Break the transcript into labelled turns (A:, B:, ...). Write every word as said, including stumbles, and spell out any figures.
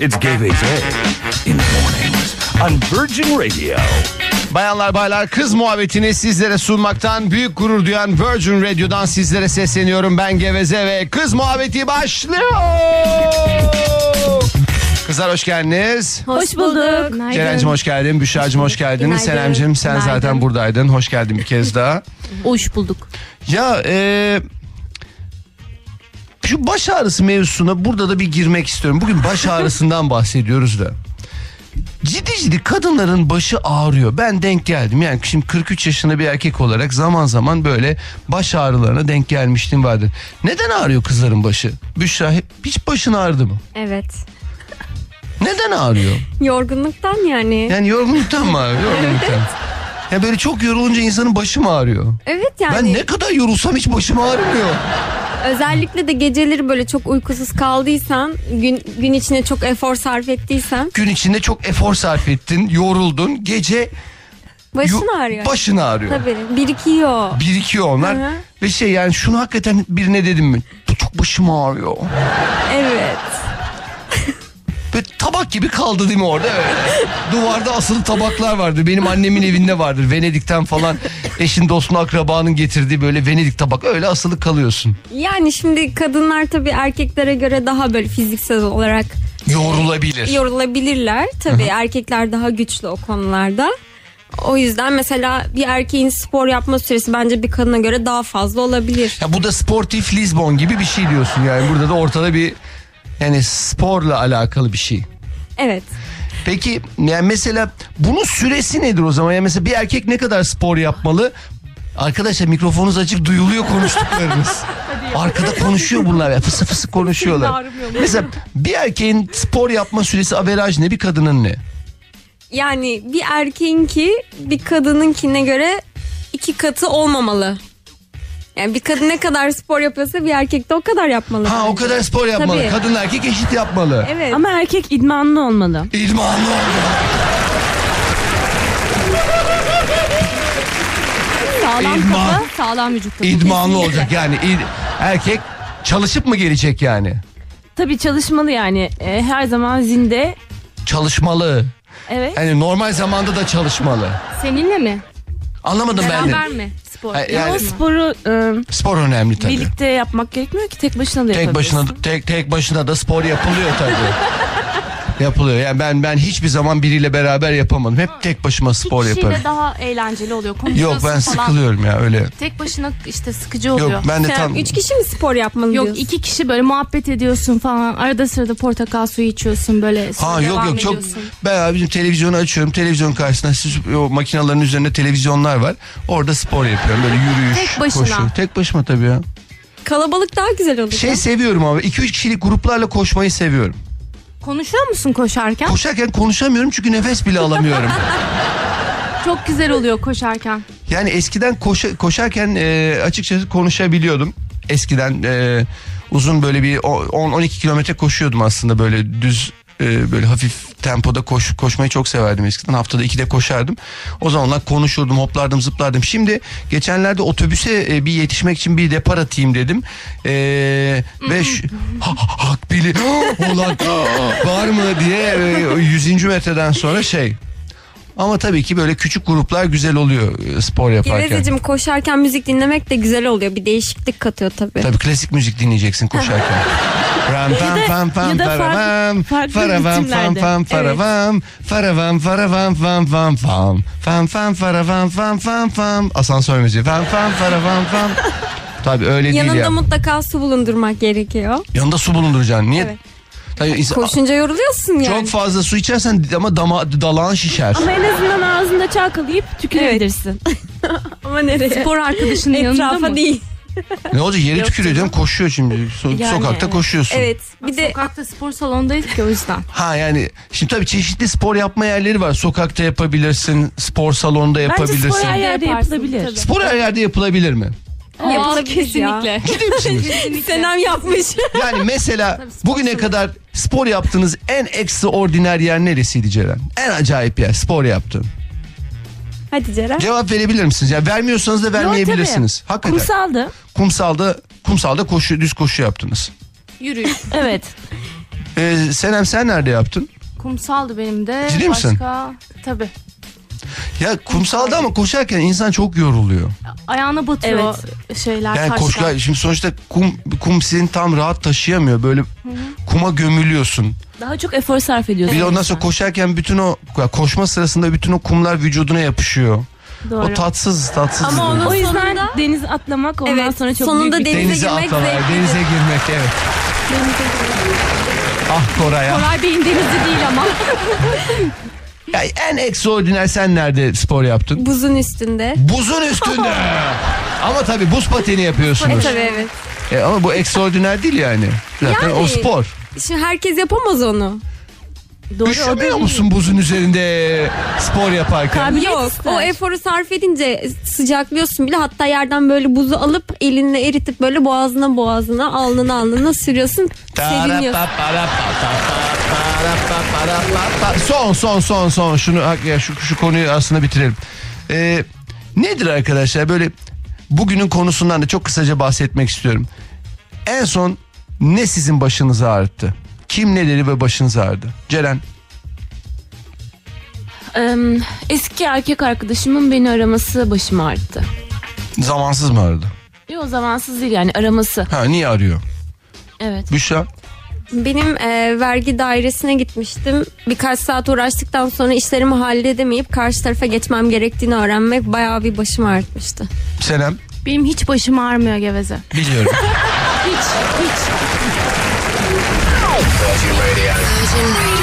A: It's Geveze in the mornings on Virgin Radio.
B: Bayanlar baylar, kız muhabbetini sizlere sunmaktan büyük gurur duyan Virgin Radio'dan sizlere sesleniyorum. Ben Geveze ve kız muhabbeti başlıyor. Kızlar hoş geldiniz.
C: Hoş bulduk.
B: Ceren'cim hoş geldin. Büşra'cım hoş geldin.
C: Günaydın.
B: Senem'cim sen
C: Günaydın.
B: zaten buradaydın. Hoş geldin bir kez daha.
C: Hoş bulduk.
B: Ya e, şu baş ağrısı mevzusuna burada da bir girmek istiyorum. Bugün baş ağrısından bahsediyoruz da. Ciddi ciddi kadınların başı ağrıyor. Ben denk geldim. Yani şimdi kırk üç yaşında bir erkek olarak zaman zaman böyle baş ağrılarına denk gelmiştim vardır. Neden ağrıyor kızların başı? Büşra hiç başın ağrıdı mı?
D: Evet.
B: Neden ağrıyor?
D: Yorgunluktan yani.
B: Yani yorgunluktan mı ağrıyor? Yorgunluktan. Ya böyle çok yorulunca insanın başı mı ağrıyor?
D: Evet yani.
B: Ben ne kadar yorulsam hiç başım ağrımıyor.
D: Özellikle de geceleri böyle çok uykusuz kaldıysan, gün gün içinde çok efor sarf ettiysen
B: Gün içinde çok efor sarf ettin, yoruldun. Gece
D: başın
B: yo-
D: ağrıyor.
B: başın ağrıyor.
D: Tabii birikiyor.
B: Birikiyor onlar.
D: Hı hı.
B: Ve şey yani şunu hakikaten birine dedim mi? Çok başım ağrıyor.
D: Evet.
B: Böyle tabak gibi kaldı değil mi orada? Evet. Duvarda asılı tabaklar vardır. Benim annemin evinde vardır. Venedik'ten falan eşin dostun akrabanın getirdiği böyle Venedik tabak. Öyle asılı kalıyorsun.
D: Yani şimdi kadınlar tabii erkeklere göre daha böyle fiziksel olarak
B: Yorulabilir.
D: yorulabilirler. Tabii erkekler daha güçlü o konularda. O yüzden mesela bir erkeğin spor yapma süresi bence bir kadına göre daha fazla olabilir.
B: Ya bu da sportif Lisbon gibi bir şey diyorsun yani. Burada da ortada bir yani sporla alakalı bir şey.
D: Evet.
B: Peki yani mesela bunun süresi nedir o zaman? Yani mesela bir erkek ne kadar spor yapmalı? Arkadaşlar mikrofonunuz açık, duyuluyor konuştuklarınız. Arkada konuşuyor bunlar ya, fısı fısı konuşuyorlar. Mesela bir erkeğin spor yapma süresi averaj ne, bir kadının ne?
D: Yani bir erkeğinki bir kadınınkine göre iki katı olmamalı. Yani bir kadın ne kadar spor yapıyorsa bir erkek de o kadar yapmalı.
B: Ha o
D: bence.
B: kadar spor yapmalı.
D: Tabii.
B: Kadın erkek eşit yapmalı.
D: Evet.
C: Ama erkek idmanlı olmalı.
B: İdmanlı oldu.
C: Sağlam
B: İdman.
C: kafa, sağlam vücut. tabii.
B: İdmanlı
C: Kesinlikle.
B: olacak yani. İd- erkek çalışıp mı gelecek yani?
C: Tabii çalışmalı yani. E, her zaman zinde.
B: Çalışmalı.
C: Evet.
B: Yani normal zamanda da çalışmalı.
E: Seninle mi?
B: Anlamadım ben de.
E: Beraber mi spor?
B: Ha, yani
C: O sporu e,
B: spor önemli tabii.
C: birlikte yapmak gerekmiyor ki, tek başına da
B: Tek
C: yapabilirsin.
B: başına tek tek başına da spor yapılıyor tabii. Yapılıyor. Yani ben ben hiçbir zaman biriyle beraber yapamadım. Hep tek başıma spor
E: İki
B: yaparım.
E: kişiyle daha eğlenceli oluyor.
B: Yok
E: Konuşuyorsun
B: ben
E: falan.
B: sıkılıyorum ya öyle.
E: Tek başına işte sıkıcı oluyor.
B: Yok ben de
D: Sen
B: tam
D: üç kişi mi spor yapmalı
E: Yok
D: diyorsun?
E: iki kişi böyle muhabbet ediyorsun falan. Arada sırada portakal suyu içiyorsun böyle. sonra
B: Ha yok
E: devam
B: yok çok
E: ediyorsun.
B: ben abi bizim televizyonu açıyorum. Televizyon karşısında siz, o makinelerin üzerinde televizyonlar var. Orada spor yapıyorum. Böyle yürüyüş,
E: Tek başına.
B: koşu. Tek başıma tabii ya.
D: Kalabalık daha güzel olur.
B: Şey seviyorum abi. iki üç kişilik gruplarla koşmayı seviyorum.
E: Konuşuyor musun koşarken?
B: Koşarken konuşamıyorum çünkü nefes bile alamıyorum.
E: Çok güzel oluyor koşarken.
B: Yani eskiden koşa, koşarken e, açıkçası konuşabiliyordum. Eskiden e, uzun böyle bir on on iki kilometre koşuyordum aslında, böyle düz e, böyle hafif tempoda koş, koşmayı çok severdim eskiden. Haftada ikide koşardım. O zamanlar konuşurdum, hoplardım, zıplardım. Şimdi geçenlerde otobüse e, bir yetişmek için bir depar atayım dedim. E, ve şu, ha, ha, hak bili olan var mı diye e, yüzüncü metreden sonra şey. Ama tabii ki böyle küçük gruplar güzel oluyor e, spor yaparken.
D: Gevezeciğim, koşarken müzik dinlemek de güzel oluyor. Bir değişiklik katıyor tabii.
B: Tabii klasik müzik dinleyeceksin koşarken. Ram pam pam pam
C: ya da farklı-
B: faravam
C: farklı
B: faravam pam
C: ritimlerde.
B: pam faravam faravam faravam pam pam pam pam pam faravam pam pam pam asansör müziği pam pam faravam pam. Tabii öyle değil
D: Yanında
B: ya.
D: mutlaka su bulundurmak gerekiyor.
B: Yanında su bulunduracaksın. Niye?
D: Evet.
B: Tabii insan-
D: Koşunca yoruluyorsun yani.
B: çok fazla su içersen ama dama, dalağın şişer.
C: Ama en azından ağzında çalkalayıp tükürebilirsin.
D: Ama nereye?
E: Spor arkadaşının yanında
D: Etrafa
E: mı?
D: değil.
B: Ne olacak, yere tükürüyor canım, koşuyor şimdi. So-
C: Yani
B: sokakta
C: evet.
B: koşuyorsun.
D: Evet. Bir de
E: Sokakta spor salonundayız ki o yüzden.
B: Ha yani şimdi tabii çeşitli spor yapma yerleri var. Sokakta yapabilirsin, spor salonunda
C: Bence
B: yapabilirsin.
C: spor her yerde
E: Yaparsın,
C: yapılabilir.
E: tabii.
B: Spor her yerde yapılabilir mi?
D: yapılabilir ya.
E: Kesinlikle.
B: Ciddi misiniz?
D: Senem yapmış.
B: Yani mesela
E: Tabii spor
B: bugüne
E: salonu.
B: kadar spor yaptığınız en ekstraordiner yer neresiydi Ceren? En acayip yer spor yaptın.
D: Hadi Ceren.
B: Cevap verebilir misiniz? Ya vermiyorsanız da vermeyebilirsiniz. Hakikaten.
C: Kumsaldı.
B: Kumsalda kumsalda koşu, düz koşu yaptınız.
E: Yürüyüş.
C: Evet.
B: Ee, Senem sen nerede yaptın?
E: Kumsaldı benim de.
B: Ciddi misin?
E: Başka tabii.
B: Ya kumsalda ama koşarken insan çok yoruluyor.
E: Ayağına batıyor şeyler,
B: Yani
E: taşlar.
B: koşular şimdi sonuçta kum kum seni tam rahat taşıyamıyor. Böyle kuma gömülüyorsun.
C: Daha çok efor sarf ediyorsun.
B: Bir de ondan sonra koşarken bütün o koşma sırasında bütün o kumlar vücuduna yapışıyor.
C: Doğru.
B: O tatsız tatsız.
D: Ama
B: böyle.
D: onu-
C: O yüzden
D: Sonunda-
C: denize atlamak ondan
D: Evet,
C: sonra çok
D: sonunda
C: büyük bir
D: denize
B: Denize
D: girmek
B: atlamak,
D: zevklidir.
B: denize girmek evet. Ah Koray ya.
E: Koray Bey'in denizi değil ama.
B: Ya en ekstraordiner sen nerede spor yaptın?
D: Buzun üstünde.
B: Buzun üstünde. Ama tabii buz pateni
D: E
B: yapıyorsunuz.
D: tabii evet.
B: E, ama bu ekstraordiner değil yani. Zaten
D: Yani-
B: o spor.
D: Şimdi herkes yapamaz onu.
C: Doğru, o
B: Üşümüyor
C: değil.
B: musun buzun üzerinde spor yaparken?
C: Kabiliyet
D: Yok,
C: ister.
D: o eforu sarf edince sıcaklıyorsun bile, hatta yerden böyle buzu alıp elinle eritip böyle boğazına boğazına alnına alnına sürüyorsun, seviniyorsun.
B: Son son son son şunu ya şu şu konuyu aslında bitirelim. Ee, nedir arkadaşlar böyle bugünün konusundan da çok kısaca bahsetmek istiyorum. En son ne sizin başınızı ağrıttı? Kim neleri ve başınızı ağrıdı? Ceren.
C: Ee, eski erkek arkadaşımın beni araması başımı ağrıttı.
B: Zamansız mı aradı?
C: Yok, zamansız değil yani, araması.
B: Ha niye arıyor?
C: Evet.
B: Büşra.
D: Benim e, vergi dairesine gitmiştim. Birkaç saat uğraştıktan sonra işlerimi halledemeyip karşı tarafa geçmem gerektiğini öğrenmek bayağı bir başımı ağrıtmıştı.
B: Senem.
E: Benim hiç başım ağrımıyor geveze.
B: Biliyorum.
C: Hiç hiç.
A: Virgin Radio.